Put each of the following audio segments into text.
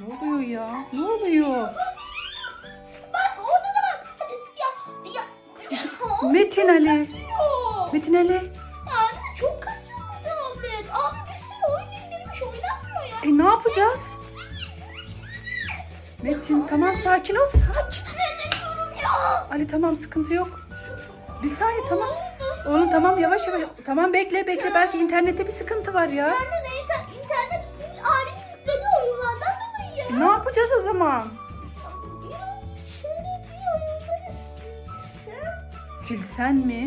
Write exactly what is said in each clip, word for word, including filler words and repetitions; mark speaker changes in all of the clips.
Speaker 1: Ne oluyor ya? Ne oluyor?
Speaker 2: Bak orada da bak. Hadi ya. Ya.
Speaker 1: Metin Ali.
Speaker 2: Kasıyor.
Speaker 1: Metin Ali.
Speaker 2: Ya anne çok kasıyor bu tablet. Abi bir sürü oyun indirmiş oynanmıyor ya.
Speaker 1: E ne yapacağız? Metin tamam sakin ol sakin.
Speaker 2: Sinirleniyorum ya.
Speaker 1: Ali tamam sıkıntı yok. Bir saniye tamam. Oğlum tamam yavaş yavaş. Tamam bekle bekle belki internette bir sıkıntı var ya.
Speaker 2: Anne ne inter internet full ailenin yüklediği oyunlardan dolayı ya.
Speaker 1: Ne yapacağız o zaman?
Speaker 2: Birazcık şöyle bir oyunları silsem.
Speaker 1: Silsen mi?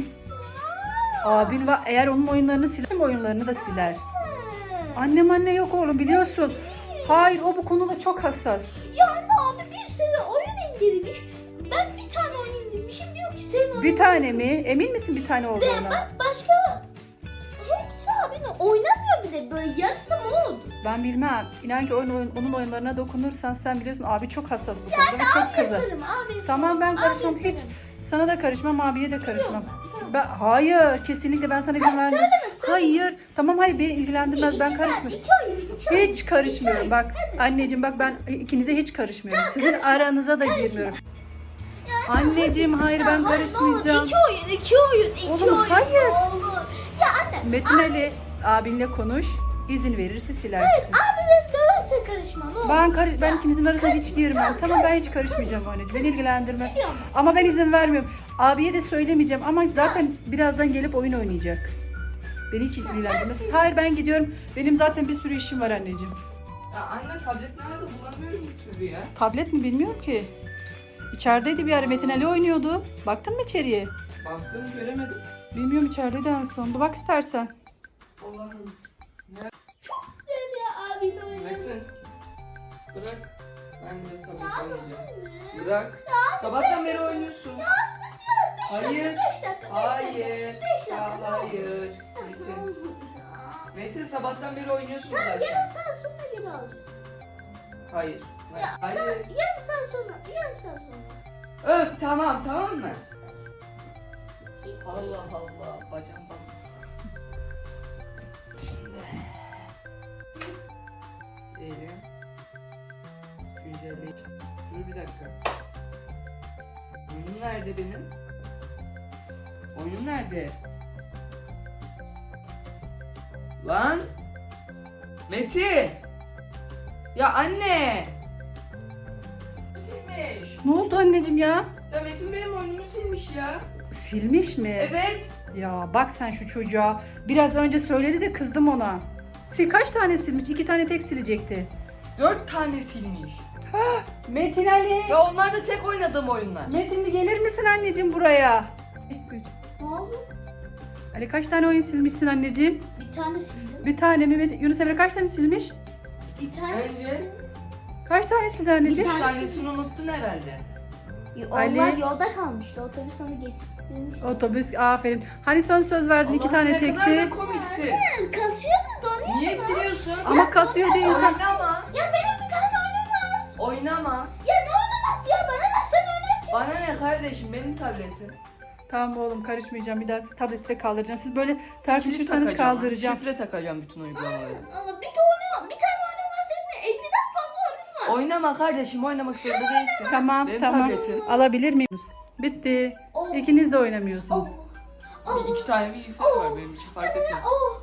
Speaker 1: Abin var eğer onun oyunlarını siler oyunlarını da siler. Annem anne yok oğlum biliyorsun. Hayır o bu konuda çok hassas.
Speaker 2: Ya anne abi bir sürü oyun indirmiş. Ben bir tane oyun indirmişim diyor ki senin oyun.
Speaker 1: Bir tane mi? Emin misin bir tane
Speaker 2: Ve
Speaker 1: olduğuna?
Speaker 2: bak başka hepsi abinin oynamıyor bile böyle yarısı mod.
Speaker 1: Ben bilmem. İnan ki oyun, oyun- onun oyunlarına dokunursan sen biliyorsun abi çok hassas bu konuda ve çok
Speaker 2: Abiye
Speaker 1: kızar.
Speaker 2: söyleme abiye
Speaker 1: Tamam ben
Speaker 2: söyleme,
Speaker 1: karışmam
Speaker 2: abiye
Speaker 1: hiç.
Speaker 2: söyleme.
Speaker 1: Sana da karışmam abiye de karışmam.
Speaker 2: Tamam.
Speaker 1: Ben, hayır kesinlikle ben sana izin vermem.
Speaker 2: Söyleme söyleme.
Speaker 1: Hayır tamam hayır beni ilgilendirmez ben
Speaker 2: İki tane,
Speaker 1: karışmıyorum.
Speaker 2: iki oyun, iki oyun,
Speaker 1: Hiç
Speaker 2: iki
Speaker 1: karışmıyorum
Speaker 2: oyun.
Speaker 1: bak anneciğim bak ben ikinize hiç karışmıyorum. Sizin aranıza da girmiyorum. Anneciğim hayır ben
Speaker 2: Ya, hayır, ne olur,
Speaker 1: karışmayacağım.
Speaker 2: İki oyun, iki oyun, iki
Speaker 1: Oğlum,
Speaker 2: oyun.
Speaker 1: hayır.
Speaker 2: Ne olur. Ya anne.
Speaker 1: Metin Ali abinle konuş. İzin verirse silersin.
Speaker 2: Abi ben döverse karışma ne olur.
Speaker 1: Ben karış ben ikinizin arasına hiç
Speaker 2: karışma,
Speaker 1: girmem.
Speaker 2: tamam,
Speaker 1: Tamam ben hiç
Speaker 2: karışma,
Speaker 1: karışmayacağım anneciğim. Beni ilgilendirmez.
Speaker 2: Siliyorum.
Speaker 1: Ama ben izin vermiyorum. Abiye de söylemeyeceğim ama zaten birazdan gelip oyun oynayacak. Beni hiç ilgilendirmez. Hayır ben gidiyorum. Benim zaten bir sürü işim var anneciğim.
Speaker 3: Ya anne tablet nerede bulamıyorum bir türlü ya.
Speaker 1: Tablet mi bilmiyorum ki. İçerideydi bir ara Metin Ali oynuyordu. Baktın mı içeriye?
Speaker 3: Baktım göremedim.
Speaker 1: Bilmiyorum içerideydi en son. Bir bak istersen.
Speaker 3: Allah'ım.
Speaker 2: Güzel ya abinin oyunu.
Speaker 3: Metin. Bırak. Ben biraz tablet
Speaker 2: Ya,
Speaker 3: oynayacağım.
Speaker 2: anne.
Speaker 3: Bırak. Sabahtan beri oynuyorsun. Hayır.
Speaker 2: Beş dakika, beş
Speaker 3: Hayır.
Speaker 2: dakika.
Speaker 3: Ya hayır. Metin. Metin sabahtan beri oynuyorsun zaten.
Speaker 2: Yarım saat sonra geri alacağım.
Speaker 3: Hayır.
Speaker 2: Ya,
Speaker 3: Hayır.
Speaker 2: Yarım saat sonra, yarım saat sonra.
Speaker 3: Öf tamam tamam mı? Allah Allah. Bacağım basmış. Şimdi. Diyelim. Güncelleyip. Dur bir dakika. Oyunum nerede benim? Oyunum nerede? Lan! Metin! Ya anne! Silmiş.
Speaker 1: Ne oldu anneciğim ya?
Speaker 3: Ya Metin benim oyunumu silmiş ya.
Speaker 1: Silmiş mi?
Speaker 3: Evet.
Speaker 1: Ya bak sen şu çocuğa. Biraz önce söyledi de kızdım ona. Sil kaç tane silmiş? İki tane tek silecekti.
Speaker 3: Dört tane silmiş.
Speaker 1: Metin Ali.
Speaker 3: Ya onlar da tek oynadığım oyunlar.
Speaker 1: Metin bir gelir misin anneciğim buraya?
Speaker 2: Ne oldu?
Speaker 1: Ali kaç tane oyun silmişsin anneciğim?
Speaker 2: Bir tane sildim.
Speaker 1: Bir tane mi? Metin- Yunus Emre kaç tane silmiş?
Speaker 2: Bir tane
Speaker 3: Sence?
Speaker 1: Kaç tane sildi anneciğim?
Speaker 3: Üç tanesini unuttun herhalde.
Speaker 2: Onlar
Speaker 1: Ali.
Speaker 2: yolda kalmıştı. Otobüs onu geçirmiş.
Speaker 1: Otobüs aferin. Hani son söz verdin iki
Speaker 3: Allah'ım
Speaker 1: tane
Speaker 3: ne kadar da
Speaker 1: tekti.
Speaker 3: komiksin.
Speaker 2: Kasıyordu donuyor.
Speaker 3: Niye siliyorsun?
Speaker 1: Ama kasıyor değil insan.
Speaker 3: Oynama.
Speaker 2: Ya benim bir tane oyunum var.
Speaker 3: Oynama.
Speaker 2: Ya ne oynaması ya? Bana ne sen oynat?
Speaker 3: Bana ne kardeşim benim tabletim.
Speaker 1: Tamam oğlum karışmayacağım. Bir daha tableti de kaldıracağım. Siz böyle tartışırsanız
Speaker 3: Şifre takacağım.
Speaker 1: kaldıracağım.
Speaker 3: Şifre takacağım bütün uygulamaları.
Speaker 2: Allah bir tane bir tane oyunum var. Senin elliden fazla oyunum var.
Speaker 3: Oynama kardeşim oynamak zorunda değilsin.
Speaker 1: Tamam
Speaker 3: Benim
Speaker 1: tamam.
Speaker 3: tabletim.
Speaker 1: Alabilir miyim? Bitti.
Speaker 2: Oh.
Speaker 1: İkiniz de oynamıyorsunuz.
Speaker 2: Oh.
Speaker 3: Bir iki tane bilgisayar var benim için fark etmez.
Speaker 2: Oh.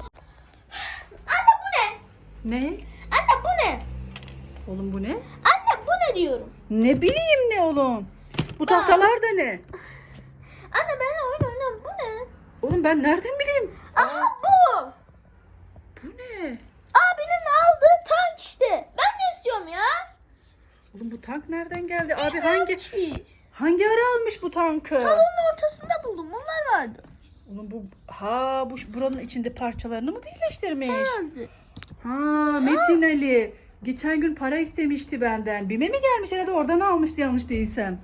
Speaker 2: Anne bu ne?
Speaker 1: Ne?
Speaker 2: Anne bu ne?
Speaker 1: Oğlum bu ne?
Speaker 2: Anne bu ne diyorum?
Speaker 1: Ne bileyim ne oğlum? Bu tahtalar da ne?
Speaker 2: Anne ben oyun oynam. Bu ne?
Speaker 1: Oğlum ben nereden bileyim?
Speaker 2: Aha bu.
Speaker 1: Bu ne?
Speaker 2: Abinin aldığı tank işte. Ben de istiyorum ya.
Speaker 1: Oğlum bu tank nereden geldi? Abi hangi
Speaker 2: Ki.
Speaker 1: hangi ara almış bu tankı?
Speaker 2: Salonun ortasında buldum. Bunlar vardı.
Speaker 1: Oğlum bu ha bu buranın içinde parçalarını mı birleştirmiş?
Speaker 2: Herhalde.
Speaker 1: Ha Metin Ali. Geçen gün para istemişti benden. Bime mi gelmiş herhalde oradan almıştı yanlış değilsem.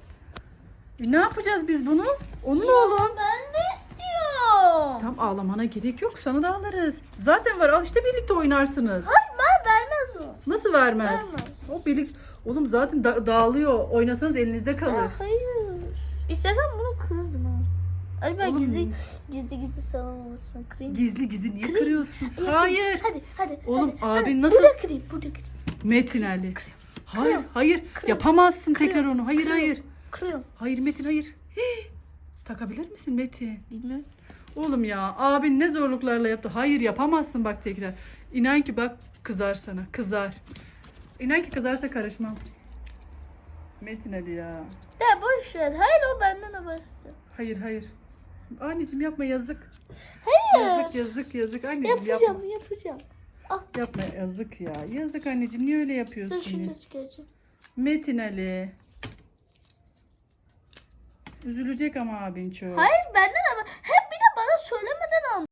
Speaker 1: E, ne yapacağız biz bunu? Onun oğlum.
Speaker 2: Ben de istiyorum.
Speaker 1: Tam ağlamana gerek yok sana da alırız. Zaten var al işte birlikte oynarsınız.
Speaker 2: Hayır ben vermez o.
Speaker 1: Nasıl vermez?
Speaker 2: Vermez.
Speaker 1: O birlik Oğlum zaten da- dağılıyor. Oynasanız elinizde kalır.
Speaker 2: Ya, hayır. İstersen bunu kırarım ha. Ay ben
Speaker 1: Oğlum.
Speaker 2: gizli gizli gizli salon olsun. Kırayım.
Speaker 1: Gizli gizli niye
Speaker 2: Kırayım.
Speaker 1: kırıyorsun?
Speaker 2: Ya,
Speaker 1: Hayır.
Speaker 2: Hadi hadi.
Speaker 1: Oğlum
Speaker 2: hadi,
Speaker 1: abin
Speaker 2: hadi.
Speaker 1: nasıl-
Speaker 2: Burada kırayım burada kırayım.
Speaker 1: Metin Ali. Hayır,
Speaker 2: Kırıyorum.
Speaker 1: hayır.
Speaker 2: Kırıyorum.
Speaker 1: Yapamazsın
Speaker 2: Kırıyorum.
Speaker 1: tekrar onu. Hayır,
Speaker 2: Kırıyorum.
Speaker 1: hayır.
Speaker 2: Kırıyorum.
Speaker 1: Hayır Metin, hayır. Hii. Takabilir misin Metin?
Speaker 2: Bilmiyorum.
Speaker 1: Oğlum ya, abin ne zorluklarla yaptı. Hayır, yapamazsın bak tekrar. İnan ki bak kızar sana. Kızar. İnan ki kızarsa karışmam. Metin Ali ya.
Speaker 2: Ya boş ver. Hayır o benden o başlıyor.
Speaker 1: Hayır, hayır. Anneciğim yapma, yazık.
Speaker 2: Hayır.
Speaker 1: Yazık, yazık, yazık. Anneciğim
Speaker 2: Yapacağım
Speaker 1: yapma.
Speaker 2: yapacağım.
Speaker 1: Yapma, yazık ya. Yazık anneciğim, niye öyle yapıyorsun
Speaker 2: Dur şunu
Speaker 1: ya?
Speaker 2: da çıkaracağım.
Speaker 1: Metin Ali. Üzülecek ama abin çok.
Speaker 2: Hayır benden